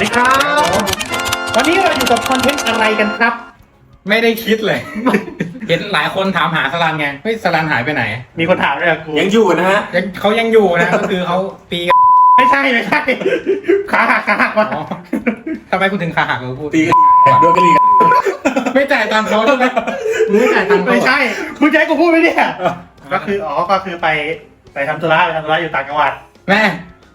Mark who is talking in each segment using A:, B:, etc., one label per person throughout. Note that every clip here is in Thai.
A: ดีครับวันนี้เราอยู่กับคอนเทนต์อะไรกันครับ
B: ไม่ได้คิดเลย เห็นหลายคนถามหาสลันไงเฮ้ยสลันหายไปไหน
A: มีคนถามด้วยกู
C: ยังอยู่นะฮะ
B: เขายังอยู่นะ ก็คือเขาตีกัน
A: ไม่ใช่ขาหักวะ
B: อ๋อทำไมคุณถึงขาหักเลยพูด
C: ตีกันโดนกระลีกัน
B: ไม่จ่ายตังค์เขาใช่ไหมมึงไม่จ่ายตังค์เขา
A: ไม่ใช่มึงจะให้กูพูดไหมเนี่ยก็คือไปทำธุระอยู่ต่างจังหวัด
B: แม่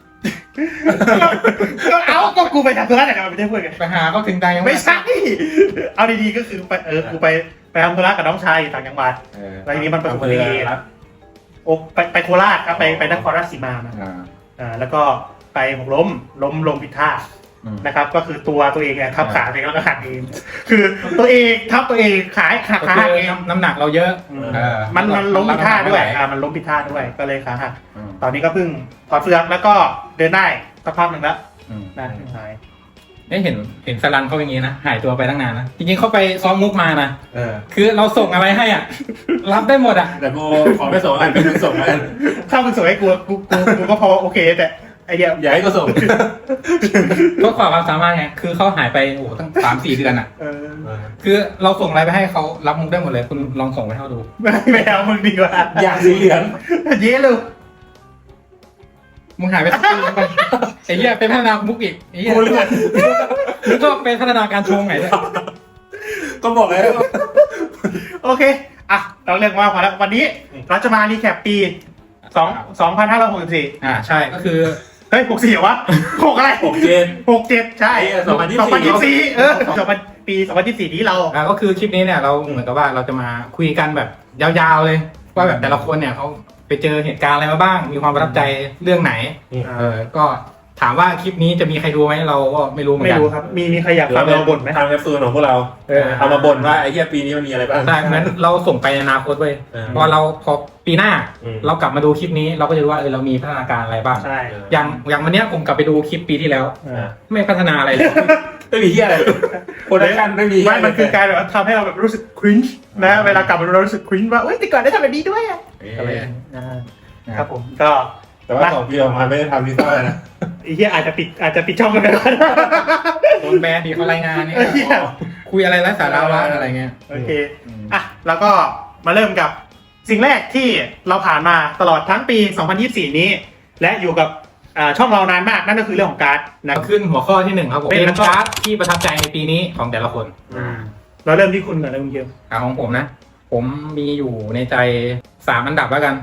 A: ก็กูไปทำธุระแต่ไม่ได้พูดกัน
B: ไปหาเขาถึงใดยัง
A: ไม่ใช่เอาดีๆก็คือกูไปทำธุระกับน้องชายอยู่ต่างจังหวัดแล้วทีนี้มันประสบอุบัติเหตุไปโคราชครับไปนครราชสีมาแล้วก็ไปล้มผิดท่านะครับก็คือตัวเองทับขาเองแล้วก็หักเองคือตัวเองทับตัวเองขาหักเอง
B: น้ำหนักเราเยอะ
A: มันล้มผิดท่าด้วยมันล้มผิดท่าด้วยก็เลยขาหักตอนนี้ก็เพิ่งถอดเฟือกแล้วก็เดินได้สักพักหนึ่งแล้วน่าหาย
B: เห็นสลันเขาอย่างนี้นะหายตัวไปตั้งนานนะจริงๆเขาไปซ้อมมุกมานะคือเราส่งอะไรให้อ่ะรับได้หมดอ่ะ
C: แต่กูขอไม่ส่งอันเป็นส่งอัน
A: ถ้ามึงส่งให้กูก็พอโอเคแต่ไอเดีย
C: อย่าให้กูส่ง
B: เพื่อความสามารถไงคือเขาหายไปโอ้ตั้ง3-4 เดือนอ่ะคือเราส่งอะไรไปให้เขารับมุกได้หมดเลยคุณลองส่งไปให้เขาดู
A: ไม่เอามึงดีกว่า
C: อย่างสีเหลือง
A: เย้เลย
B: มึงหายไปสักปีนึงไปไอ้เหี้ยเป็นพัฒนามุกอีกไอ้เหี้ยมึงก็เป็นพัฒนาการชงไหนเนี่ย
C: ก็บอกเลย
A: โอเคอ่ะเราเรื่องว่าพอแล้ววันนี้เราจะมารีแคปปี2564
B: ใช่ก็คือ
A: เฮ้ย64เหรอวะ6อะไร67ใช่2024ปี2024นี้เรา
B: ก็คือคลิปนี้เนี่ยเราเหมือนกับว่าเราจะมาคุยกันแบบยาวๆเลยว่าแบบแต่ละคนเนี่ยเขาไปเจอเหตุการณ์อะไรมาบ้างมีความประทับใจเรื่องไหนก็ถามว่าคลิปนี้จะมีใครดูไหมเราก็ไม่รู้เหมือนกัน
A: ไม่รู้ครับมีใครอยากฟังเราบ่นไหม
C: ทำแอปซูนของพวกเราเอามาบ่นว่าไอ้เหี้ยปีนี้มันมีอะไรบ้าง
B: ใช่งั้นเราส่งไปในอนาคตเว้ยพอปีหน้าเรากลับมาดูคลิปนี้เราก็จะรู้ว่าเรามีพัฒนาการอะไรบ้างอย่างวันนี้ผมกลับไปดูคลิปปีที่แล้วไม่พัฒนาอะไรเลย
C: ไม่มีเหี้ยอะไรโปรดักชั่นไม่มี
A: มันคือการแบบทำให้เราแบบรู้สึกคริ้นช์นะเวลากลับมาเรารู้สึกคริ้นช์ว่าเอ้ยแต่ก่อนได้ทำแบบนี้ด้วยอะไรครับผมก็
C: แต่ว่าของพี่ออกมาไม่ได้ทำพิซซ่านะ
A: ไอ้เหี้ยอาจจะปิดช่องกันไปแล้ว
B: โดนแบนดีเขารายงานนี่คุยอะไรไร้สาระว่าอะไรเงี้ย
A: โอเคอ่ะแล้วก็มาเริ่มกับสิ่งแรกที่เราผ่านมาตลอดทั้งปี2024นี้และอยู่กับช่องเรานานมากนั่นก็คือเรื่องของการ์ดนะ
B: ขึ้นหัวข้อที่1ครับผมเป็นการ์ดที่ประทับใจในปีนี้ของแต่ละคน
A: เราเริ่มที่คุณก่อนเลยคุณเกียว
B: ของผมนะผมมีอยู่ในใจ3 อันดับแล้วกัน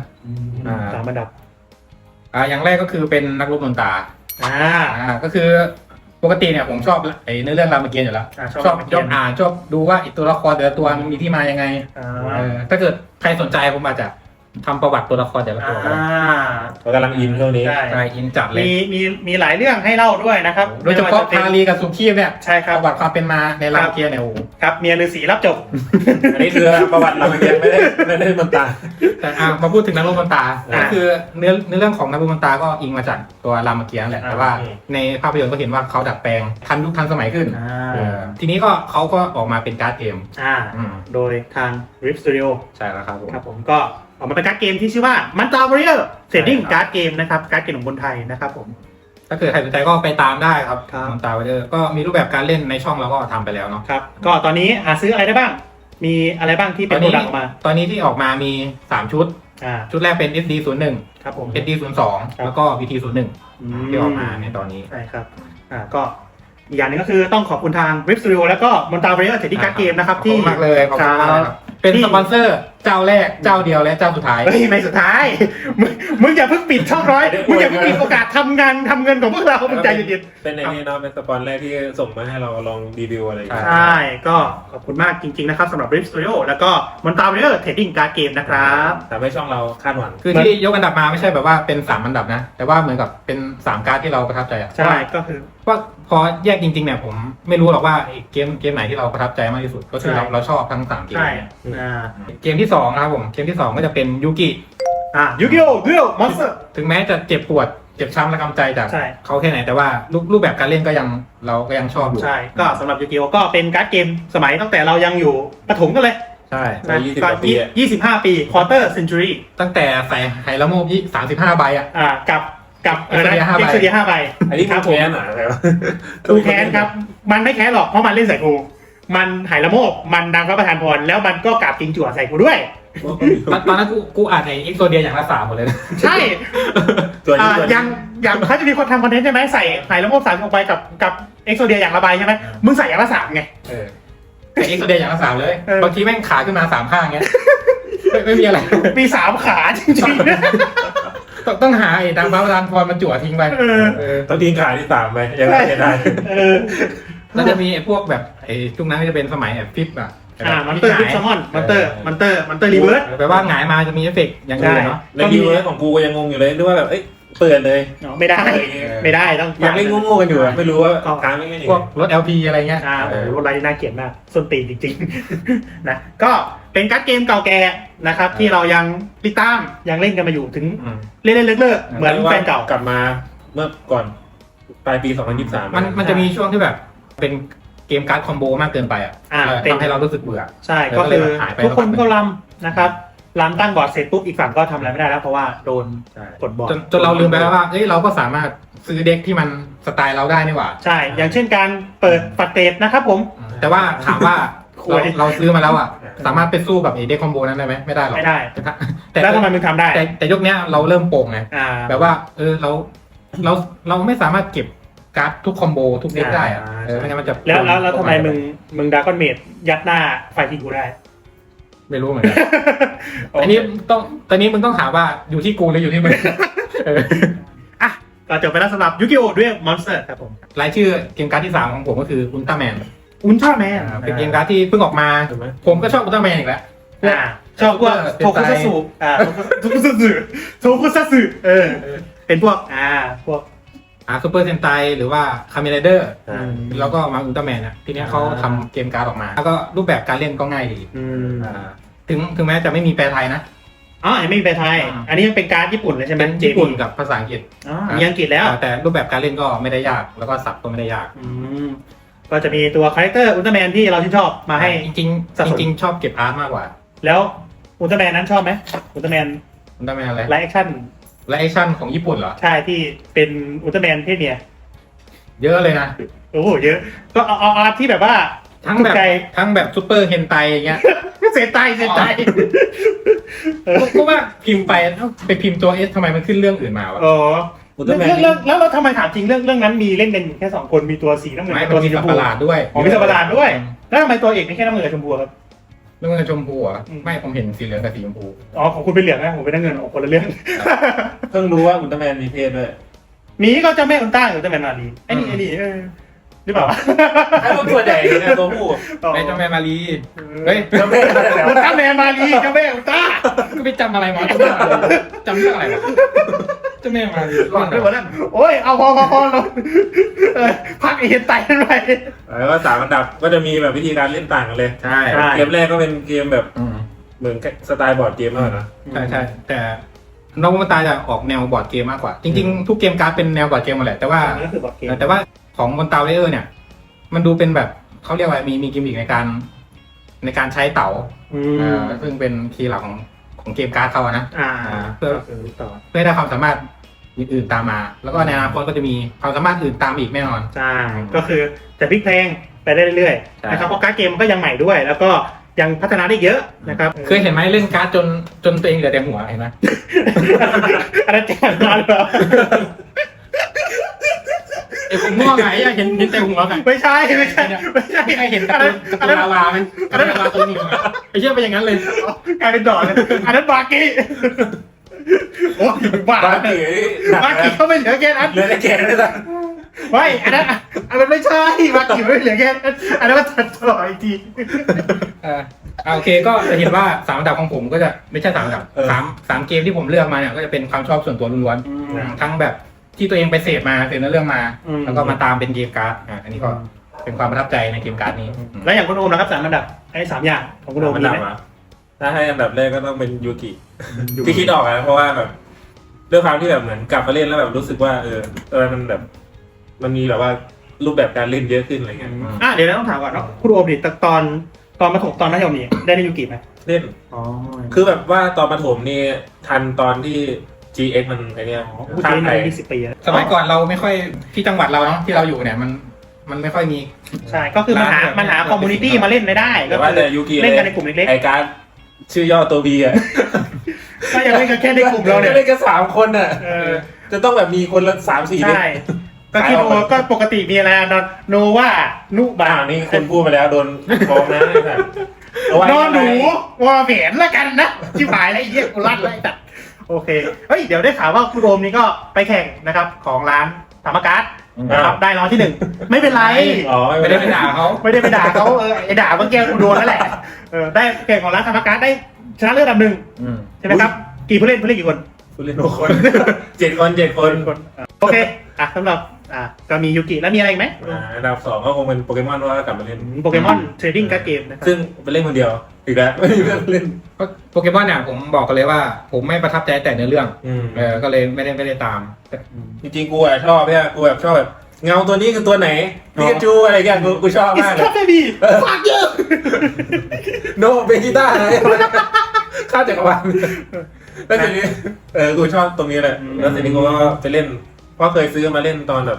A: 3 อันดับ
B: อย่างแรกก็คือเป็นนักรบมนตราก็คือปกติเนี่ยผมชอบไอ้เนื้อเรื่องรามเกียรติ์อยู่แล้วชอบอ่านชอบดูว่าอีกตัวละครแต่ละตัวมันมีที่มายังไงถ้าเกิดใครสนใจผมอาจจะทำประวัติตัวละครแต่ละตัว
C: เรากำลังอินเรื่องนี้
B: ใช่อินจัดเลย
A: มีหลายเรื่องให้เล่าด้วยนะครับ
B: โดยเฉพาะพาลีกับสุขีเนี่ย
A: ใช่ครับ
B: ประวัติความเป็นมาในรามเกียรติเนี่ยโอ้
A: ครับเมียฤาษีรับจบ
C: อันนี้คือประวัติรามเกียรติ์ไม่ได้มนตรา
B: แต่มาพูดถึงนักรบมนตราก็คือเนื้อเรื่องของนักรบมนตราก็อิงมาจากตัวรามเกียรติ์แหละแต่ว่าในภาพยนตร์ก็เห็นว่าเขาดัดแปลงทันยุคทันสมัยขึ้นทีนี้ก็เขาก็ออกมาเป็นการ์ดเกม
A: โดยทาง Rift Studio
B: ใช่แล้วครับ
A: ผมก็ออกมาเป็นการ์ดเกมที่ชื่อว่ามันตา Warrior Trading การ์ดเกมนะครับการ์ดเกมของคนไทยนะครับผม
B: ถ้าเกิดใครสนใจก็ไปตามได้ครับมันตา Warrior ก็มีรูปแบบการเล่นในช่องเราก็ทำไปแล้วเนาะ
A: ครับก็ตอนนี้หาซื้ออะไรได้บ้างมีอะไรบ้างที่เป็นโปรดักต์ออกมา
B: ตอนนี้ที่ออกมามี3ชุดชุดแรกเป็น SD01
A: ครับผม
B: SD02 แล้วก็ VT01 ที่ออกมาในตอนนี้
A: ใช่ครับก็อีกอย่างนึงก็คือต้องขอบคุณทาง Rift Studio แล้วก็มอนตา Warrior Trading การ์ดเกมนะครับที่
B: มากเลยขอบคุณมากครับเป็นสปอนเซอร์เจ้าแรกเจ้าเดียวและเจ้าสุดท้าย
A: ไม่สุดท้ายมึงอย่าเพิ่งปิดช่องร้อยมึงอย่าเพิ่งปิดโอกาสทำเงินของพวกเรามึงใจเย็น
C: ๆเป็นในนี้เนาะเป็นสปอนแรกที่ส่งมาให้เราลองรีวิวอะไร
A: ใช่ก็ขอบคุณมากจริงๆนะครับสำหรับ Rift Studio แล้วก็มอนตา Warrior Trading การ์ดเกมนะครับ
C: ทำให้ช่องเราคาดหวัง
B: คือที่ยกอันดับมาไม่ใช่แบบว่าเป็น3 อันดับนะแต่ว่าเหมือนกับเป็น3การ์ดที่เราประทับใจ
A: ใช่ก็คือ
B: ว่าพอแยกจริงๆเนี่ยผมไม่รู้หรอกว่าเกมไหนที่เราประทับใจมากที่สุดก็คือเราชอบทั้ง3เกมเกมที่2นะครับผมเกมที่2ก็จะเป็นยูกิ
A: ยูกิโอดูโอมอนสเตอร์
B: ถึงแม้จะเจ็บปวดเจ็บช้ำและกำใจจากเขาแค่ไหนแต่ว่ารูปแบบการเล่นก็ยังเราก็ยังชอบอยู่
A: ใช่ก็สำหรับยูกิโอก็เป็นการ์ดเกมสมัยตั้งแต่เรายังอยู่ประถมกันเลย
B: ใช่
A: 25 ปีควอเตอร์เซนจูรี่
B: ตั้งแต่ใส่ไฮละโม35 ใบ
A: กับกับExodia 5 ใบ
C: อันนี้
A: ครับ
C: แค้นเหรออะไรวะ
A: กูแค้นครับมันไม่แค้นหรอกเพราะมันเล่นใส่กูมันหายละโมบมันดังพระประธานพรแล้วมันก็กราบจริงจั่วใส่กูด้วย
B: ตอนนั้นกูอ่านในเอ็กโซเดียอย่างละ3หมดเลยนะ
A: ใช่
C: ตัวนี้
A: อย่างเขาจะมีคนทำคอนเทนต์ใช่ไหมใส่หายละโมบ3ออกไปกับเอ็กโซเดียอย่างละใบใช่ไหมมึงใส่อย่างละ3ไง
B: แต่เอ็กโซเดียอย่างละ3เลย
A: เออ
B: บางทีแม่งขาขึ้นมา3ข้างเงี้ยไม่มีอะไร
A: มี3ขาจริงๆนะ
B: ต้องหาไอ้ดังพระประธานพรมันจั่วทิ้งไป
C: ต้องทิ้งขาที่3ไปยังไงได้
B: แล้วจะมีไอ้พวกแบบไอ้ช่วงนั้นก็จะเป็นสมัยแบบฟิปอ่ะ
A: มันเตอร์ฟิกซัมมอนมันเตอร์รีเวิร์ส
B: แปลว่าหงายมาจะมีเอฟเฟกต์อย่างอื่นเนาะ
C: ในรีเวิร์สของกูก็ยังงงอยู่เลยด้วยว่าแบบเปิดเลย
A: ไม่ได้ต้อง
C: ยังเล่นงงๆกันอยู่ไม่รู้ว่าค้างไม่
B: พวกรถ LP อะไรเงี้ย
A: รถไลน์น่าเกลียดมากส้นตีนจริงๆ นะก็เป็นการ์ดเกมเก่าแก่นะครับที่เรายังติดตามยังเล่นกันมาอยู่ถึงเล่นเลิกเหมือนแฟนเก่าก
C: ลับมาเมื่อก่อนปลายปี 2023
B: มันจะมีช่วงที่แบบเป็นเกมการ์ดคอมโบมากเกินไปอ่ะทำให้เรารู้สึกเบื่อ
A: ใช่ก็คือทุกคนก็รำนะครับรำตั้งบอร์ดเสร็จปุ๊บอีกฝั่งก็ทำอะไรไม่ได้แล้วเพราะว่าโดนกดบอร์ด
B: จนเราลืมไปแล้วว่าเราก็สามารถซื้อเด็กที่มันสไตล์เราได้นี่หว่า
A: ใช่อย่างเช่นการเปิดปัดเตดนะครับผม
B: แต่ว่าถามว่าเราซื้อมาแล้วอ่ะสามารถไปสู้กับไอ้เด็กคอมโบนั้นได้ไหมไม่ได้หรอก
A: ไม่ได้
B: แต่
A: แล้วทำไมมึงทำได้
B: แต่ยกเนี้ยเราเริ่มโป่งไงแบบว่าเราไม่สามารถเก็บการ์ดทุกคอมโบทุกเด็กได้อะไม่งั้นมันจะ
A: แล้วทำไมมึงดราก้อนเมดยัดหน้าไฟที่กูได้
B: ไม่รู้เหมือนกันอันนี้ตอนนี้มึงต้องถามว่าอยู่ที่กูหรืออยู่ที่มึง
A: อ่ะก็จบไปแล้วสำหรับยูกิโอด้วยมอนสเตอร์ครับผม
B: รายชื่อเกมการ์ดที่3ของผมก็คืออุลตร้าแมนเป็นเกมการ์ดที่เพิ่งออกมาผมก็ชอบอุลตร้าแมนอีกแล้ว
A: ชอบพวกโทคุซัตสึเป็นพวก
B: ซูเปอร์เซนไตหรือว่าคาเมนไรเดอร์แล้วก็มาอุลตร้าแมนอ่ะทีนี้เขาทำเกมการ์ดออกมาแล้วก็รูปแบบการเล่นก็ง่ายดีถึงแม้จะไม่มีแปลไทยนะ
A: ยังไม่มีแปลไทยอันนี้ยังเป็นการ์ดญี่ปุ่นเลยใช่ไหม
B: ญี่ปุ่นกับภาษาอังกฤษ
A: มีอังกฤษแล้ว
B: แต่รูปแบบการเล่นก็ไม่ได้ยากแล้วก็สับก็ไม่ได้ยาก
A: ก็จะมีตัวคาแรคเตอร์อุลตร้าแมนที่เราชื่นชอบมาให้
B: จริงชอบเก็บอาร์ตมากกว่า
A: แล้วอุลตร้าแมนนั้นชอบไหมอุลตร้าแมน
B: อะไร
A: ไลฟ์แอคชั่น
B: ของญี่ปุ่นเหรอ
A: ใช่ที่เป็นอุลตร้าแมนเพศเมีย
B: เยอะเลยนะ
A: โอ้โหเยอะก็เอาที่แบบว่า
B: ทั้งแบบซูเปอร์เฮนไตอย่างเงี้ย
A: เซนไต
B: ก็ว่าพิมพ์ไปพิมพ์ตัวเอสทำไมมันขึ้นเรื่องอื่นมาวะ
A: แล้วทำไมถามจริงเรื่องนั้นมีเล่นกันแค่2คนมีตัวสีน้ำเงิน
B: ตัวสีชมพูด้วย
A: มีสัตว์ประหลาดด้วยแล้วทำไมตัวเอกไม่แค่น้ำเงินกับชมพูครับ
B: น้ำเงินชมพูอ่ะไม่ผมเห็นสีเหลืองกับสีชมพู
A: ของคุณเป็นเหลืองนะผมเป็นน้ำเงินคนละเรื่อง
C: เพิ่งรู้ว่าอุลตร้าแมนมีเพศด้วย
A: มีก็จะไม่อุลตร้าอุลตร้าแมนมาลีไอ้นี่หรือเปล่า
C: ไอ้ตัวใหญ่เนี่ยตัวผู้
B: ไอ้เจ้าแม่มาลีเฮ้ย
A: เจ้าแม่มาลีเจ้าแม่อุลตร้า
B: ก็ไปจำอะไรมาจำเรื่องอะไรวะเจ้าแม่มาลี
A: หลอนไปหมดแล้วโอ้ยเอาพอเราพักเห็นไตกันไป
C: แล้วก็3 อันดับก็จะมีแบบวิธีการเล่นต่างกันเลย
B: ใช่
C: เกมแรกก็เป็นเกมแบบเหมือนสไตล์บอร์ดเกมมากนะ
B: ใช่แต่นอกมันตาจะออกแนวบอร์ดเกมมากกว่าจริงๆทุกเกมการ์ดเป็นแนวบอร์ดเกมหมดแหละแต่ว่าของมอนตาเลอร์เนี่ยมันดูเป็นแบบเขาเรียกว่ามีกิมมิคในการใช้เต๋าซึ่งเป็นคีย์หลักของเกมการ์ดเขานะเพื่อได้ความสามารถอื่นๆตามมาแล้วก็ในอนาคตก็จะมีความสามารถอื่นตามอีกแน่นอน
A: ใช่ก็คือจะพลิกเพลงไปได้เรื่อยๆนะครับเพราะการ์ดเกมมันก็ยังใหม่ด้วยแล้วก็ยังพัฒนาได้เยอะนะครับ
B: เคยเห็นไหมเล่นการ์ดจนตัวเองเหลือแต่หัวเห็นไหม
A: อันนั้นแจ๋งมากเลย
B: ผมง่วงไงเห็นแต่หัวไง
A: ไม่ใช่
B: ใครเห็นตัวลาวาไหมลาวาตัวนี้ไอ้เชื่อไปอย่างนั้นเลย
A: กลายเป็นดอกเลยอันนั้นบากี้โอ้ยบากี้เขาไม่เหลือแค่นั้น
C: เหลือแต่แกนเลยนะ
A: ไม่อันนั้นไม่ใช่บากี้ไม่เหลือแค่อันนั้นมันตัดต่ออีกที
B: โอเคก็จะเห็นว่า3 อันดับของผมก็จะไม่ใช่3 อันดับ3 เกมที่ผมเลือกมาเนี่ยก็จะเป็นความชอบส่วนตัวล้วนๆทั้งแบบที่ตัวเองไปเสพมาเรื่องมาแล้วก็มาตามเป็นเกมการ์ดอันนี้ก็เป็นความประทับใจในเกมการ์ดนี้
A: แล้วอย่างคุณโอมนะครับ3 อันดับไอ้3 อย่างของคุณโอมมีไหม
C: ถ้าให้อันดับแรกก็ต้องเป็นยูกิที่คิดออกนะเพราะว่าแบบด้วยความที่แบบเหมือนกลับมาเล่นแล้วแบบรู้สึกว่ามันแบบมันมีแบบว่ารูปแบบการเล่นเยอะขึ้นอะไรเงี้ย
A: เดี๋ยวต้องถามก่อนเนาะคุณโอมดิตอนประถมตอนมัธยมนี่ได้เล่นยูกิไหม
C: เล่นคือแบบว่าตอนประถมนี่ทันตอนที่ GX มันไอเนี้ย
A: ผู้
C: ข้า
A: เจ๊
C: มไท
A: ใน
C: ย
A: 20 ปีแล้ว
B: สมัยก่อนเราไม่ค่อยที่จังหวัดเราเนาะที่เราอยู่เนี่ยมันไม่ค่อยมี
A: ใช่ก็คือมันหาคอมมูนิตี้มาเล่นได้
C: แต่
A: ก็
C: ว่า
A: คือ
C: แต่ยูกิ
A: เล่นกันในกลุ่มเล็ก
C: ไอการชื่อย่อตัว B อ่ะ
A: ๆก็ยังเล่นกันแค่ในกลุ่มเราเนี่ย
C: เล่นกัน3 คนอ่ะ
A: เออ
C: จะต้องแบบมีคนละ3-4เล่ม
A: ใช่ก็คิดดูก็ปกติมีอะไรโนว่านุบา
C: นี่คนพูดไปแล้วโดนฟ้องนะเอาไว้
A: นอนหนูวอแหวนละกันนะชิบหายแล้วไอ้เหี้ยกูลั่นเลยจัดโอเคเฮ้ยเดี๋ยวได้ข่าวว่าคุณโอมนี่ก็ไปแข่งนะครับของร้านธรรมการ์ดนะครับได้รางวัลที่ 1ไม่เป็นไร
C: อ๋อ
B: ไม่ได้ไปด่าเขา
A: ไม่ได้ไปด่าเขาไอ้ด่าเมื่อกี้กูโดนแล้วแหละได้แข่งของร้านธรรมการ์ดได้ชนะเลิศอันดับ 1ใช่ไหมครับกี่ผู้เล่นกี่คน
C: ผู้เล่น6 คน7 คน
A: โอเคสำหรับก็มียูกิแล้วมีอะไรอีกไหม
C: อันดับ 2ก็คงเป็นโปเกมอนว่ากลับมาเล่น
A: โปเกมอนเทรดดิ้งการ์ดเกมนะครับ
C: ซึ่งไปเล่นคนเดียวอีกแล้วไม่มีเพื่อนเล่น
B: โปเกมอนเนี่ยผมบอกกันเลยว่าผมไม่ประทับใจแต่เนื้อเรื่องก็เลยไม่ได้ตาม
C: จริงๆกูชอบเนี่ยกูแบบชอบแบบเงาตัวนี้คือตัวไหนพิกาจูอะไรเงี้ยกูชอบ
A: อิส
C: มากเล
A: คาย เบบี้ฝากเยอะ
C: โนเบกิต้าอะไรข้าจักรวาลแล้วทีนี้กูชอบตรงนี้แหละแล้วทีนี้กูก็ไปเล่นเพราะเคยซื้อมาเล่นตอนแบบ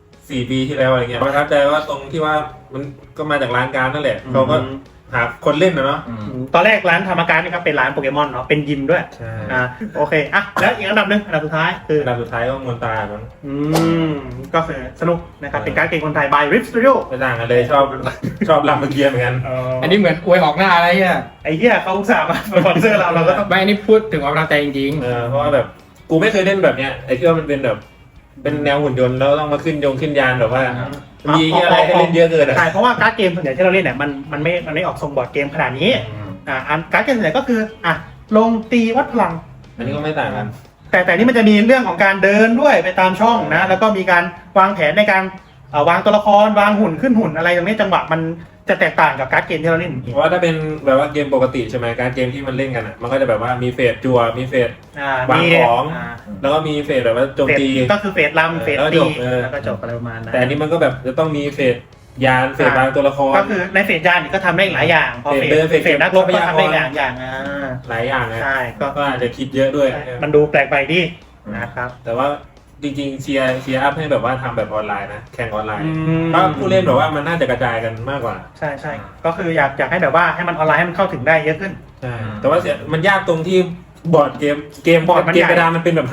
C: 4 ปีที่แล้วอะไรเงี้ยประทับใจว่าตรงที่ว่ามันก็มาจากร้านการนั่นแหละเขาก็หาคนเล่นนะเนาะ
A: ตอนแรกร้านธรรมการนี่ครับเป็นร้านโปเกมอนเนาะเป็นยิมด้วย
C: ใช่
A: โอเคแล้วอีกอันดับหนึงอันดับสุดท้ายคือ
C: อันดับสุดท้ายก็มอนตามั้ง
A: ก็คือสนุกนะครับเป็นการ์ดเกมคนไทย by Rip Studio
C: ไม่ต่างกันเลยชอบลำเกียร์เหมือนกัน
B: อันนี้เหมือนอวยออกหน้าอะไรเนี่ย
A: ไอ้เหี้ยเขาอุตส่าห์มาสปอนเซอร์เราก็ต้อง
B: ไม่อันนี้พูดถึงความประทับใจจริง
C: เพราะว่าแบบกูไม่เคยเล่นแบบเนี้ยไอ้ที่ว่ามันเป็นแบบเป็นแนวหุ่นยนต์แล้วต้องมาขึ้นยานแบบว่ามีอะไรให้เล่นเยอะเกินอ่ะ
A: ใช่เพราะว่าการ์ดเกมส่วนใหญ่ที่เราเล่นเนี่ยมันไม่ออกทรงบอร์ดเกมขนาดนี้การ์ดเกมส่วนใหญ่ก็คือลงตีวัดพลัง
C: อันนี้ก็ไม่ต่างกัน
A: แต่นี่มันจะมีเรื่องของการเดินด้วยไปตามช่องนะแล้วก็มีการวางแผนในการวางตัวละครวางหุ่นขึ้นหุ่นอะไรตรงนี้จังหวะมันจะแตกต่างกับการ์ดเกมที่เราเล่น
C: เพราะว่าถ้าเป็นแบบว่าเกมปกติใช่ไหมการเกมที่มันเล่นกันอ่ะมันก็จะแบบว่ามีเฟสจั่วมีเฟสวางของแล้วก็มีเฟสแบบว่าโจมตี
A: ก็คือเฟสลำเฟสตีแล้วก็จบอะไรประมาณนั้น
C: แต่อันนี้มันก็แบบจะต้องมีเฟสยานเฟสวางตัวละคร
A: ก็คือในเฟสยานนี่ก็ทำได้หลายอย่างพอเฟสนักรบก็ทำได้หลายอย่าง
C: หลายอย่างนะ
A: ใช่
C: ก็อาจจะคิดเยอะด้วย
A: มันดูแปลกไปดินะครับ
C: แต่ว่าจริงๆเชียร์อัพให้แบบว่าทำแบบออนไลน์นะแข่งออนไลน์เพราะผู้เล่นแบบว่ามันน่าจะกระจายกันมากกว่า
A: ใช่ก็คืออยากให้แบบว่าให้มันออนไลน์ให้มันเข้าถึงได้เยอะขึ้น
C: ใช่แต่ว่ามันยากตรงที่บอร์ดเกมกระดานมันเป็นแบบ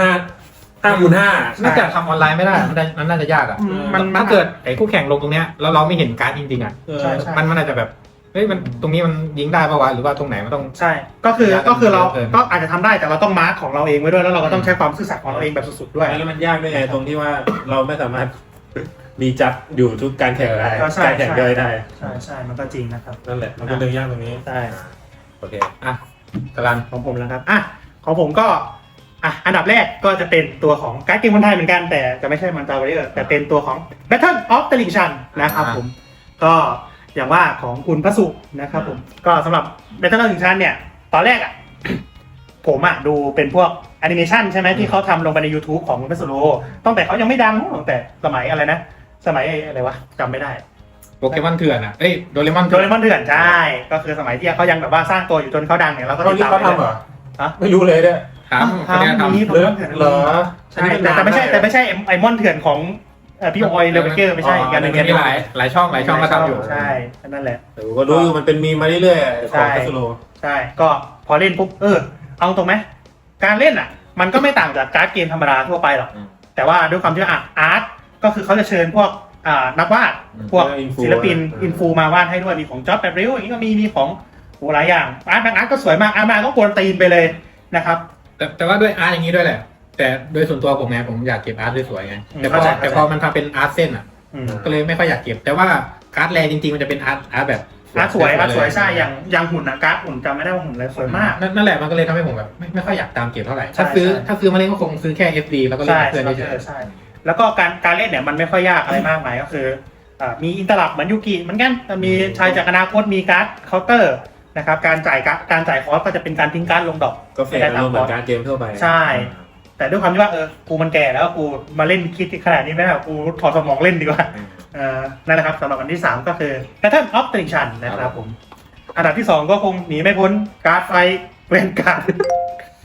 C: 5x5
B: น่าจะทำออนไลน์ไม่ได้มันน่าจะยากอ่ะถ้าเกิดไอ้คู่แข่งลงตรงเนี้ยแล้วเราไม่เห็นการ์ดจริงๆอ่ะมันอาจจะแบบเฮ้ยมันตรงนี้มันยิงได้ป่าวะหรือว่าตรงไหนมันต้อง
A: ใช่ก็คือเราก็อาจจะทำได้แต่เราต้องมาร์คของเราเองไว้ด้วยแล้วเราก็ต้องใช้ความซื่อสัตย์ของเราเองแบบสุดๆด้วย
C: แล้วมันยากด้วยไงตรงที่ว่าเราไม่สามารถมีจัดอยู่ทุกการแข่งได้การแข่งย่อยได้
A: ใช่มันก็จริงนะครับ
C: นั่นแหละมันเป็นเรื่องยากตรงนี้
A: ใช่
C: โอเค
B: กรัน
A: ของผมแล้วครับของผมก็อันดับแรกก็จะเป็นตัวของการ์ดเกมคนไทยเหมือนกันแต่จะไม่ใช่มันตาเวอร์แต่เป็นตัวของ Battle of the Linchan นะครับผมก็อย่างว่าของคุณพระสุนะครับผมก็สำหรับ Battle of the Linchan เนี่ยตอนแรกผมดูเป็นพวกแอนิเมชันใช่ไหมที่เขาทำลงไปใน YouTube ของคุณพระสุโรตั้งแต่เขายังไม่ดังตั้งแต่สมัยอะไรนะสมัยอะไรวะจำไม่ได้
B: โปเกมอนเถื่อนโดเรมอน
A: เถื่อนใช่ก็คือสมัยที่เขายังแบบว่าสร้างตัวอยู่จนเขาดังเนี่ยเราก็
C: ติดตามเขาทำเหรอไม่รู้เลยเนี่ย
A: ทำนี้เหรอใช่แต่ไม่ใช่ไอมอนเถื่อนของพี่ออยเลเวเกอร์ไม่ใช่
B: กันนึงมีหลายช่องก็ทำอยู่
A: ใช่นั่นแหละ
C: ก็รู้อยู่มันเป็นมีมาเรื่อยๆของคาสโล
A: ใช่ก็พอเล่นปุ๊บเอาตรงไหมการเล่นมันก็ไม่ต่างจากการ์ดเกมธรรมดาทั่วไปหรอกแต่ว่าด้วยความที่อาร์ตก็คือเขาจะเชิญพวกนักวาดพวกศิลปินอินฟูมาวาดให้ด้วยมีของจ็อบแบบริ้วอย่างนี้ก็มีของหลายอย่างอาร์ตก็สวยมากอาร์ตก็กวนตีนไปเลยนะครับ
B: แต่ว่าด้วยอาร์ตอย่างนี้ด้วยแหละแต่โดยส่วนตัวผมไงผมอยากเก็บอาร์ตสวยๆไงแต่พอมันทำเป็นอาร์ตเส้นก็เลยไม่ค่อยอยากเก็บแต่ว่าการ์ดแรจริงๆมันจะเป็นอาร์ตแบบ
A: อาร์ตสวยใช่อย่างหุ่นการ์ดหุ่นจำไม่ได้ว่าหุ่นอะไรสวยมาก
B: นั่นแหละมันก็เลยทำให้ผมแบบไม่ค่อยอยากตามเก็บเท่าไหร่ถ้าซื้อมาเล่นก็คงซื้อแค่ FD แล้วก็เล่นเพื่อน
A: ใช่แล้วก็การเล่นเนี่ยมันไม่ค่อยยากอะไรมากมายก็คือมีอินเตอร์ลับเหมือนยูกิเหมือนกันมีชายจากอนาคตมีการ์ดเคาน์เตอร์นะครับการจ่ายคอร์สก็จะเป็นการทิ้งการ์ดลงดอก
C: ก็เฟรนเหมือนการเกมทั่วไป
A: ใช่แต่ด้วยความที่ว่ากูมันแก่แล้วกูมาเล่นคิดขนาดนี้ไม่ได้กูถอดสมองเล่นดีกว่านั่นแหละครับสำหรับอันที่3ก็คือ Battle of the Linchan นะครับผมอันดับที่2ก็คงหนีไม่พ้นการ์ดไฟเวนการ์ด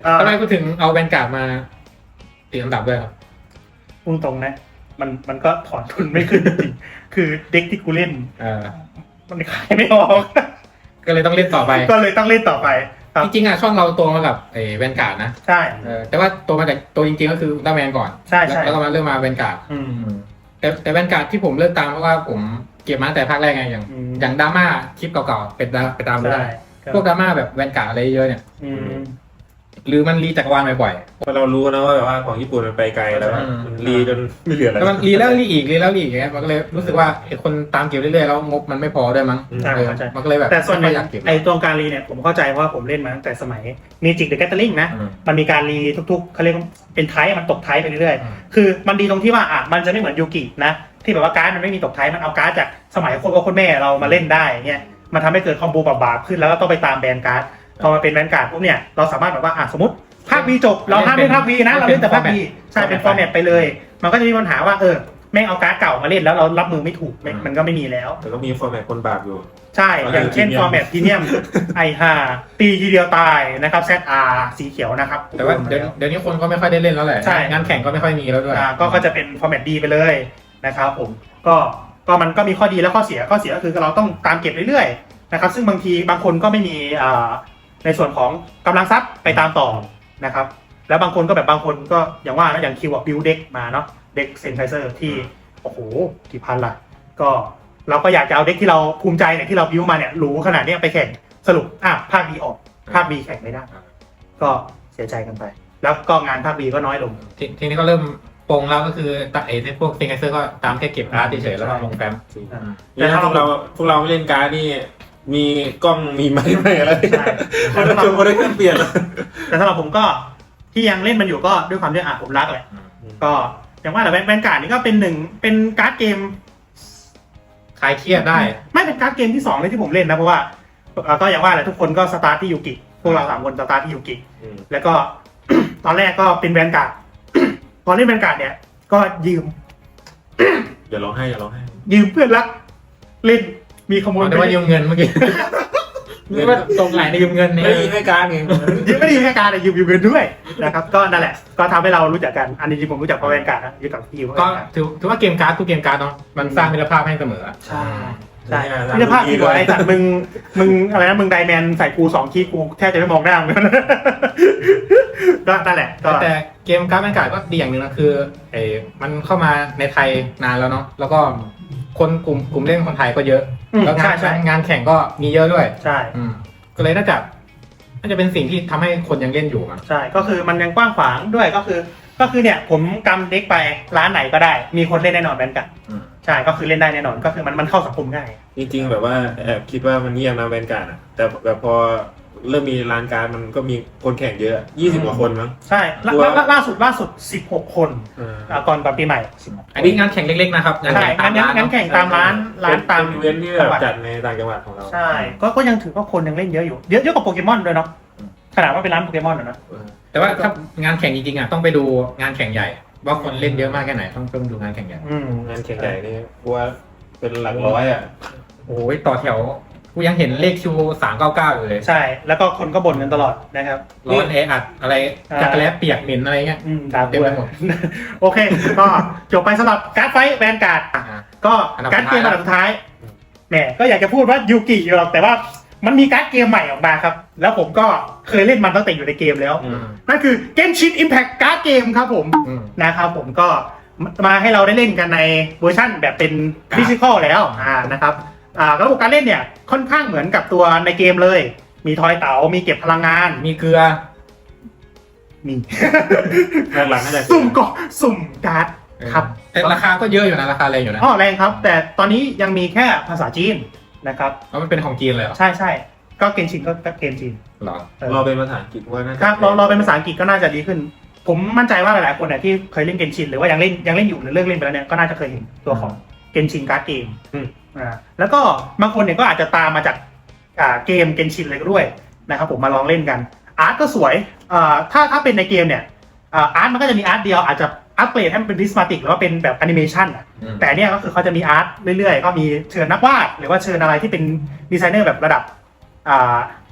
B: ทำไมกูถึงเอาแวนการ์ดมาติดอันดับด้วยครับ
A: พูดตรงนะมันก็ถอนทุนไม่ขึ้นจริงๆคือเด็กที่กูเล่นมันขายไม่ออก
B: ก็เลยต้องเล่นต่อไป
A: ก็เลยต้องเล่นต่อไป
B: จริงๆอ่ะช่องเราโตมากับแวนการ์ดนะ
A: ใช่
B: แต่ว่าโตมาจากตัวจริงๆก็คืออุลตร้าแมนก่อน
A: ใช่
B: แล้วก็มาเริ่มมาแวนการ์ดแต่แวนการ์ดที่ผมเลิกตามเพราะว่าผมเก็บมาตั้งแต่ภาคแรกไงอย่างดราม่าคลิปเก่าๆไปตามไม่ได้พวกดราม่าแบบแวนการ์ดอะไรเยอะเนี่ยหรือมันรีจักรวาลบ่อย
C: ๆเพราะเรารู้นะว่าแบบว่าของญี่ปุ่นมันไปไกลแล้วมันรีจนไม่เหลืออะไร
B: แล้วมันรีแล้วรีอีกเงี้ยมันก็เลยรู้สึกว่าคนตามเก็บเรื่อยๆแล้วงบมันไม่พอด้วยมั้งมันก็เลยแบบ
A: แต่ส่วนใหญ่ไอ้ตัวการรีเนี่ยผมเข้าใจว่าผมเล่นมาตั้งแต่สมัย Magic the Gathering นะมันมีการรีทุกๆเขาเรียกเป็นไทป์มันตกไทป์ไปเรื่อยๆคือมันดีตรงที่ว่ามันจะไม่เหมือนยูกินะที่แบบว่าการ์ดมันไม่มีตกไทป์มันเอาการ์ดจากสมัยคนแม่เรามาเล่นได้เงี้ยมันทำให้เกิดคอมโบบาปขึ้นแล้วก็ต้องไปตามแบนการ์ดพอมาเป็นแบนการ์ดพวกเนี่ยเราสามารถแบบว่าสมมติภาค V จบเราห้ามเล่นภาค V นะเราเล่นแต่ภาค V ใช่เป็นฟอร์แมตไปเลยมันก็จะมีปัญหาว่าแม่งเอาการ์ดเก่ามาเล่นแล้วเรารับมือไม่ถูกมันก็ไม่มีแล้ว
C: แต่ก็มีฟอร์แมตคนบาปอยู่
A: ใช่อย่างเช่นฟอร์แมตพรีเมียมตีทีเดียวตายนะครับ ZR สีเขียวนะครับ
B: แต่ว่าเดี๋ยวนี้คนก็ไม่ค่อยได้เล่นแล้วแหละงานแข่งก็ไม่ค่อยมีแล้วด้วย
A: ก็จะเป็นฟอร์แมตดีไปเลยนะครับผมก็มันก็มีข้อดีและข้อเสียก็คือเราต้องตามเก็บเรื่อยๆนะครับซึ่งบางทีบางคนก็ไม่มีในส่วนของกำลังทรัพย์ไปตามต่อนะครับแล้วบางคนก็อย่างว่านะอย่างคิวบิวเด็กมาเนาะเด็กเซนไทเซอร์ที่โอ้โหกี่พันละก็เราก็อยากจะเอาเด็กที่เราภูมิใจเนี่ยที่เราบิวมาเนี่ยหรูขนาดนี้ไปแข่งสรุปภาค B ออกภาค B แข่งไม่ได้ก็เสียใจกันไปแล้วก็งานภาค B ก็น้อยลง
B: ทีนี้ก็เริ่มปงแล้วก็คือตัดพวกเซนไทเซอร์ก็ตามแค่เก็บอาร์ตเฉยๆแล้วก็ลงแฟ้ม
C: แต่ถ้าพวกเราไม่เล่นการ์ดนี่มีกล้องมีไม้ไม่อะไรคนละจุดคนละเครื่องเปลี่ยน
A: แต่สำหรับผมก็ที่ยังเล่นมันอยู่ก็ด้วยความที่ผมรักแหละก็อย่างว่าแต่แวนการ์ดนี่ก็เป็นการ์ดเกม
B: คลายเครียดได้
A: ไม่เป็นการ์ดเกมที่2เลยที่ผมเล่นนะเพราะว่าก็อย่างว่าแหละทุกคนก็สตาร์ทที่ยูกิพวกเรา3คนสตาร์ทที่ยูกิแล้วก็ตอนแรกก็เป็นแวนการ์ดพอเล่นแวนการ์ดเนี่ยก็ยืม
C: อย่าร้องไห้
A: ยืมเพื่อนรักเล่นมีขโมย
B: แต่ว่ายืมเงินเมื่อกี้นี่ว่าตรงไหนในยืมเงินนี่
C: ไม่ยืมให้การไง
A: ไม่ได้ยืมให้การแต่ยืมเงินด้วยนะครับก็นั่นแหละก็ทำให้เรารู้จักกันอันนี้จริงผมรู้จักเพราะแวนการ์ดนะอยู่กับพี่
B: ก็ถือว่าเกมการ์ดทุกเกมการ์ดเนาะมันสร้างมิตรภาพให้เสมอ
A: ใช่มิตรภาพดีกว่าไอ้สัตว์มึงอะไรนะมึงไดแมนใส่กู2 คีย์กูแทบจะไม่มองหน้ามึงก็นั่นแหละ
B: แต่เกมการ์ดแวนการ์ดก็ดีอย่างนึงนะคือมันเข้ามาในไทยนานแล้วเนาะแล้วก็คนกลุ่มเล่นคนไทยก็เยอะแล้วงานแข่งก็มีเยอะด้วย
A: ใช่
B: ก็เลยน่าจะเป็นสิ่งที่ทำให้คนยังเล่นอยู่
A: ใช่ก็คือมันยังกว้างขวางด้วยก็คือเนี่ยผมกำเด็กไปร้านไหนก็ได้มีคนเล่นแน่นอนแบนกันใช่ก็คือเล่นได้แน่นอนก็คือมันเข้าสังคมง่าย
C: จริงๆแบบว่าแอบคิดว่ามันเงียบนะแบนกันแต่แบบพอเริ่มมีร้านการมันก็มีคนแข่งเยอะ20 กว่าคนมั้ง
A: ใช่ล่าสุด16 คนก่อนปีใหม่
B: อันนี้งานแข่งเล็กๆนะครับ
A: ใช่งานแข่งตามร้านตาม
C: อีเวนต์ที่จัดในต่างจังหวัดของเรา
A: ใช่ก็ยังถือว่าคนยังเล่นเยอะอยู่เยอะกว่าโปเกมอนด้วยเนาะขนาดว่าเป็นร้านโปเกมอนนะ
B: แต่ว่าถ้างานแข่งจริงๆต้องไปดูงานแข่งใหญ่ว่าคนเล่นเยอะมากแค่ไหนต้องดูงานแข่งใหญ่
C: งานแข่งใหญ่นี่ว่าเป็นหลักร้อย
B: โอ้ยต่อแถวกูยังเห็นเลขคิว399อยู่เลย
A: ใช่แล้วก็คนก็บ่นกันตลอดนะครับ
B: ร้อนอัดอะไรจักรแล้เปียกเหม็นอะไรเงี้ย
A: เต็มไปหมดโอเคก็จบไปสำหรับการ์ดไฟท์แวนการ์ดก็การ์ดเกมอันดับสุดท้ายแหมก็อยากจะพูดว่ายูกิอยู่หรอกแต่ว่ามันมีการ์ดเกมใหม่ออกมาครับแล้วผมก็เคยเล่นมันตั้งแต่อยู่ในเกมแล้วนั่นคือ Genshin Impact การ์ดเกมครับผมนะครับผมก็มาให้เราได้เล่นกันในเวอร์ชั่นแบบเป็นฟิสิกอลแล้วนะครับระบบการเล่นเนี่ยค่อนข้างเหมือนกับตัวในเกมเลยมีทอยเต๋ามีเก็บพลังงาน
B: มีเกลือ
A: มี
C: หลังๆนั่นแหละ
A: สุ่มการ์ดครับ
B: แต่ราคาก็เยอะอยู่นะราคาแรงอยู่นะ
A: แรงครับแต่ตอนนี้ยังมีแค่ภาษาจีนนะครับ
B: มันเป็นของจีนเลยเหรอ
A: ใช่ก็เกมจีนก็เกมจีน
B: หรอ
C: รอเป็นภาษาอังกฤษว่าน่าจะ
A: ครับรอเป็นภาษาอังกฤษก็น่าจะดีขึ้นผมมั่นใจว่าหลายๆคนเนี่ยที่เคยเล่นเกมจีนหรือว่ายังเล่นอยู่หรือเลิกเล่นไปแล้วเนี่ยก็น่าจะเคยเห็นตัวของเกมจีนการ์ดเกมแล้วก็บางคนเนี่ยก็อาจจะตามมาจากเกมเกนชินเลยก็ด้วยนะครับผมมาลองเล่นกันอาร์ตก็สวยถ้าเป็นในเกมเนี่ยอาร์ตมันก็จะมีอาร์ตเดียวอาจจะอัปเกรดให้มันเป็นดิสมาติกหรือว่าเป็นแบบแอนิเมชันแต่เนี่ยก็คือเขาจะมีอาร์ตเรื่อยๆก็มีเชิญนักวาดหรือว่าเชิญอะไรที่เป็นดีไซเนอร์แบบระดับ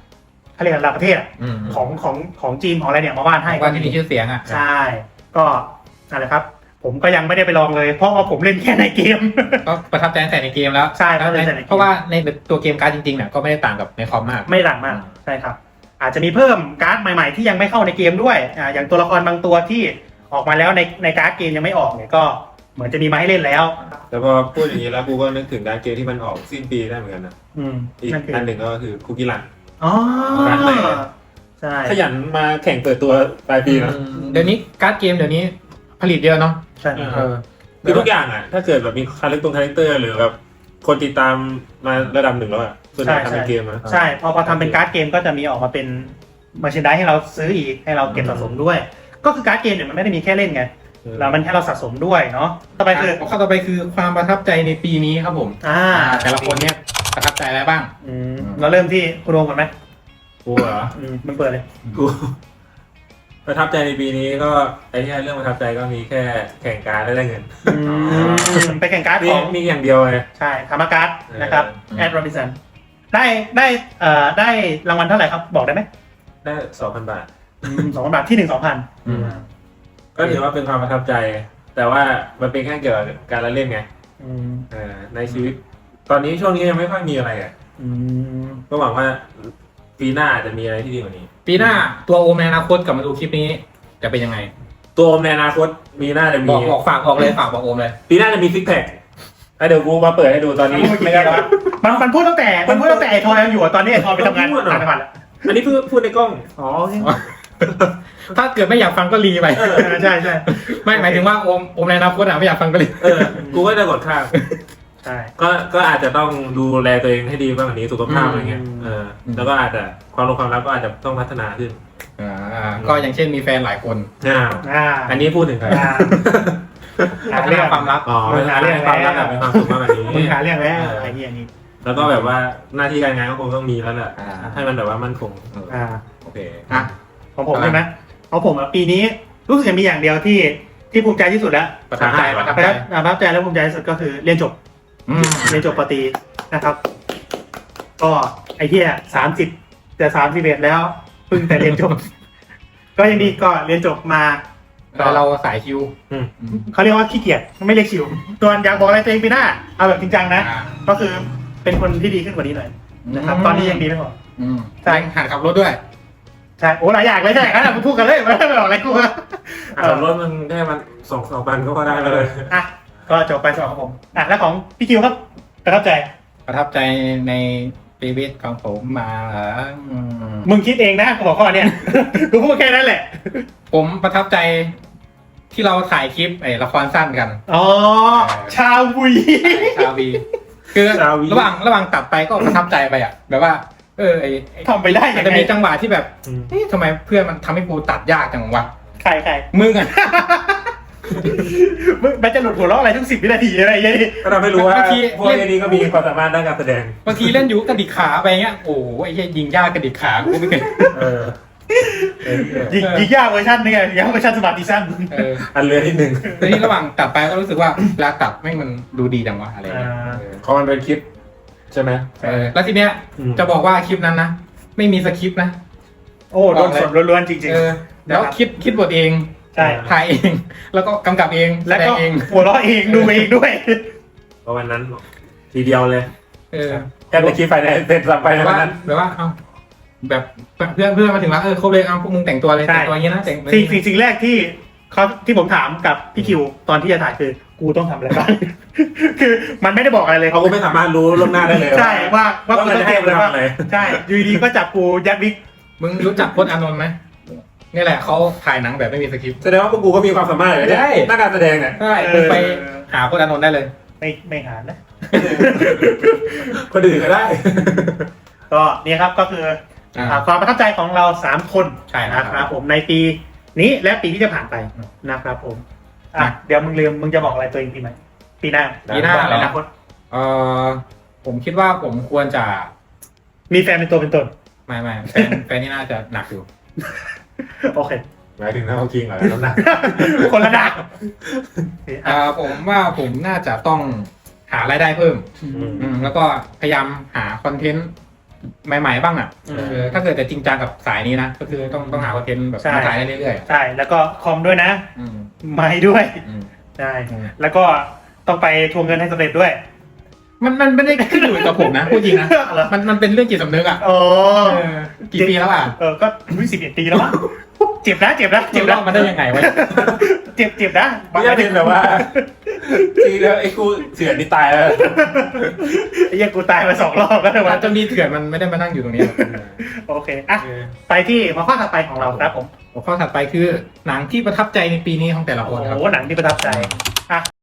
A: เขาเรียกระดับประเทศของจีนของอะไรเนี่ยมาวาดให้
B: ว่าที่มีชื่อเสียงอ่ะ
A: ใช่ก็นั่นแหละครับผมก็ยังไม่ได้ไปลองเลยเพราะว่าผมเล่นแค่ในเกม
B: ก็ประทับใจแต่ในเกมแล้ว
A: ใช่ประทับใจแต่ในเกม
B: เพราะว่าในตัวเกมการ์ดจริงๆเนี่ยก็ไม่ได้ต่างกับในคอมมาก
A: ไม่ต่างมากใช่ครับอาจจะมีเพิ่มการ์ดใหม่ๆที่ยังไม่เข้าในเกมด้วยอย่างตัวละครบางตัวที่ออกมาแล้วในการ์ดเกมยังไม่ออกเนี่ยก็เหมือนจะมีมาให้เล่นแล้ว
C: แต่พอพูดอย่างนี้แล้วกูก็นึกถึงการเกมที่มันออกสิ้นปีได้เหมือนกันนะอีก
A: นั่นคือ
C: อันหนึ่งก็คือคุกกี้รัน
A: อ๋อ
C: การ์ดใหม่เลย
A: ใช่
C: ขยันมาแข่งเปิดตัวปลายปีนะ
B: เดี๋ยวนี้การ์ดเกมเดี๋ยวนี้ผลิตเยอะเนาะ
A: ใช่
C: คือทุกอย่างอ่ะถ้าเกิดแบบมีคาแรคเตอร์หรือแบบคนติดตามมาระดับหนึ่งแล้วอ่ะส่วนใหญ่ทำเป็นเกมนะ
A: ใช่พอทำเป็นการ์ดเกมก็จะมีออกมาเป็นมาเชนได้ให้เราซื้ออีกให้เราเก็บสะสมด้วย ก็คือการ์ดเกมเนี่ยมันไม่ได้มีแค่เล่นไงแล้วมันให้เราสะสมด้วยเนาะต่อไปคือ
B: ข้อต่อไปคือความประทับใจในปีนี้ครับผมแต่ละคนเนี่ยประทับใจอะไรบ้าง
A: เราเริ่มที่คุณโอมก่อนไหม
C: กูเหรอ
A: มันเปิดเลย
C: กูประทับใจในปีนี้ก็ไอ้ที่เรื่องประทับใจก็มีแค่แข่งการได้เงิน
A: ไปแข่งการ์ดของ
C: มีอย่างเดียวเลย
A: ใช่ธรรมการ์ดนะครับแอดโรบินสันได้รางวัลเท่าไหร่ครับบอกได้ไหม
C: ได้ 2,000 บาท
A: 2,000 บาทที่ 1,200
C: ก็ถือว่าเป็นความประทับใจ แต่ว่ามันเป็นแค่เกี่ยวกับการละเล่นไงในชีวิต ตอนนี้ช่วงนี้ยังไม่ค่อยมีอะไรอ่ะก็หวังว่าปีหน้าจะมีอะไรที่ดีกว่านี้
B: ปีหน้าตัวโอมในอนาคตกลับมาดูคลิปนี้จะเป็นยังไง
C: ตัวในอนาคตมีหน้าจะมี
B: บอกฝากบอกเลยฝากบอกโอมเลย
C: ปีหน้าจะมีซิกแพคเดี๋ยวกูมาเปิดให้ดูตอนนี้ไม่ได้แล้ว
A: มันพูดตั้งแต่ไอ้ทอยยังอยู่ตอนนี้ไอ้ทอยไปทำงานต่างจังหวัดแล้ว
C: อันนี้พูดในกล้อง
A: อ๋อ
B: ถ้าเกิดไม่อยากฟังก็รีไป
A: ใช่
B: ไม่หมายถึงว่าโอมในอนาคตไม่อยากฟังก็รี
C: กูก็จะกดข้าม
A: ใช่
C: ก็อาจจะต้องดูแลตัวเองให้ดีบ้างกว่านี้สุขภาพอะไรเงี้ยแล้วก็อาจจะความรักก็อาจจะต้องพัฒนาขึ้น
B: ก็อย่างเช่นมีแฟนหลายคน
C: อันนี้พูดถึงใคร
B: พัฒนาความรัก
C: หาเรื่องความรักเป็นความสุขมากกว่านี้
A: มึงหาเรื่องแล้วไอ้นี่อันนี้
C: แล้วก็แบบว่าหน้าที่การงานก็คงต้องมีแล้วแหละให้มันแบบว่ามั่นคง
B: โอเค
A: ของผมใช่ไหมของผมปีนี้รู้สึกจะมีอย่างเดียวที่ภูมิใจที่สุดแล้ว
B: ประทับใจประทับใจ
A: ประทับใจและภูมิใจที่สุดก็คือเรียนจบปตรีนะครับ ก็ไอ้เหี้ย30จะ31แล้วเพิ่งแต่เรียนจบ ก็ยังดีก็เรียนจบมา
B: แล้วเราสายคิว
A: เขาเรียกว่าขี้เกียจไม่เรียกชิวตัวนอยากบอกอะไรตัวเองปีหน้าเอาแบบจริงจังนะก็คือเป็นคนที่ดีขึ้นกว่านี้หน่อยนะครับตอนนี้ยังดีไม่พอ
B: ใช่หัดขับรถด้วย
A: ใช่โอ้หลายอย่างเลยใช่งั้นมึงพูดกันเลยไม่บอกอะไรกู
C: ขับรถมันได้มัน2 พันก็ได้เลย
A: ก็จบไปสำหรับผมแล้วของพี่คิวครับประทับใจ
B: ประทับใจในชีวิตของผมมา
A: มึงคิดเองนะหัวข้อเนี่ย กูพูดแค่นั้นแหละ
B: ผมประทับใจที่เราถ่ายคลิปละครสั้นกัน
A: อ๋อชาวี
B: ชาวีคือระหว่างตัดไปก็ประทับใจไปอ่ะแบบว่า
A: ทำไปได้ยังไง
B: จะมีจังหวะที่แบบทำไมเพื่อนมันทำให้กูตัดยากจังวะ
A: ใคร
B: มึงอ่ะ
A: มึงมันจะหลุดหัวเราะอะไรทุก10 วินาทีอะไรอย่างนี้
C: ก็ทำให้รู้ว่าพวกนี้ก็มีความสามารถด้านการแสดง
B: บางทีเล่นอยู่กระดิกขาไปเงี้ยโอ้ไอ้ยิงยากกระดิกขากูไม่เคย
A: ยิงยากเวอร์ชันนี่ไงยิงยากเวอร์ชันสมาร์ทดิชั่น
C: อันเรือนิดนึง
B: ทีนี้ระหว่างตัดไปก็รู้สึกว่าเวลาตัดไม่มันดูดีจังวะอะไรเงี้ย
C: เขามันเป็นคลิปใช่ไหม
B: แล้วทีเนี้ยจะบอกว่าคลิปนั้นนะไม่มีสคริปต์นะ
A: โอ้โดนสดล้วนๆจริงๆ
B: แล้วคิดบทเอง
A: ใช่
B: ถ่ายเองแล้วก็กำกับเอง
A: แล้วก็
B: เอง
A: หัวเราะเองดูเองด้วย
C: เพราะวันนั้นทีเดียวเลย
B: แค่
C: แต่คลิปไฟในเสร็จสับไปในวันนั้น
B: แบบว่าเอาแบบเพื่อนมาถึงแล้วครบเลยเอาพวกมึงแต่งตัวเลยแต่งตัวอย่างนี้นะแต่ง
A: สิ่งแรกที่ผมถามกับพี่คิวตอนที่จะถ่ายคือกูต้องทำอะไรบ้าง คือมันไม่ได้บอกอะไรเลย
C: เขาก็ไม่สามารถรู้ล่วงหน้าได้เลย
A: ใช่ว่ากู
C: มัน
A: ต้อง
C: จะ
A: เต
C: ให้
A: รียมอะไร
C: ทำ
A: บ้าง
C: อะไร
A: ใช่อยู่ดีก็จับกูยัดวิก
B: มึงรู้จักพจน์อานนท์ไหมนี่แหละเขาถ่ายหนังแบบไม่มีสคริปต์
C: แสดงว่าพวกกูก็มีความสามารถเลยหน้าการแสดงเนี่ย
B: ใช่มึงไปหาพจน์อานนท์ได้เลย
A: ไม่หานะ
C: คนอื่นก็ได้
A: ก็นี่ครับก็คือความประทับใจของเรา3 คน
B: ใช่
A: นะครับผมในปีนี้และปีที่จะผ่านไปนะครับผมเดี๋ยวมึงจะบอกอะไรตัวเองปีใหม่ปีหน้า
B: อะไรนะผมคิดว่าผมควรจะ
A: มีแฟนเป็นตัวเป็นตน
B: ไม่แฟนนี่น่าจะหนักอยู่
A: โอเค
C: หมายถึงน้าคิงเหรอน้ำหนัก
A: คนละดัก
B: ผมว่าผมน่าจะต้องหารายได้เพิ่มแล้วก็พยายามหาคอนเทนต์ใหม่ๆบ้างอ่ะถ้าเกิดจะจริงจังกับสายนี้นะก็คือต้องหาคอนเทนต์แบบมาถ่ายได้เรื่อย
A: ใช่แล้วก็คอมด้วยนะ
B: ๆ
A: ไม้ด้วย
B: อืม
A: ใช่แล้วก็ต้องไปทวงเงินให้สำเร็จด้วย
B: มันไม่ได้ขึ้นอยู่กับผมนะพูดจริงนะ
A: เหรอ
B: มันเป็นเรื่องจิตสำนึกอ่ะ
A: โอ้
B: กี่ปีแล้วอ่ะ
A: ก็11 ปีแล้วมั้งเจ็บนะเจ็บนะ
B: เจ็
A: เจ็
B: บบ ร
A: นะ
B: อบมันได้ยังไงวะ
A: เจ็บนะ
C: ไม่ใช่เป็นแบบว่าจริงแล้วไอ้กูเสือนี่ตายแล้ว
A: ไอ้เหี้ยังกูตายมา2 รอบแล้วนะ
B: มั
A: วะ
B: นจะมีเถื่อนมันไม่ได้มานั่งอยู่ตรงนี้หรอก
A: โอเคอ่ะไปที่หัวข้อถัดไปของเราครับผม
B: หัวข้อถัดไปคือหนังที่ประทับใจในปีนี้ของแต่ละคนครับ
A: โอ้โหหนังที่ประทับใจอ่ะ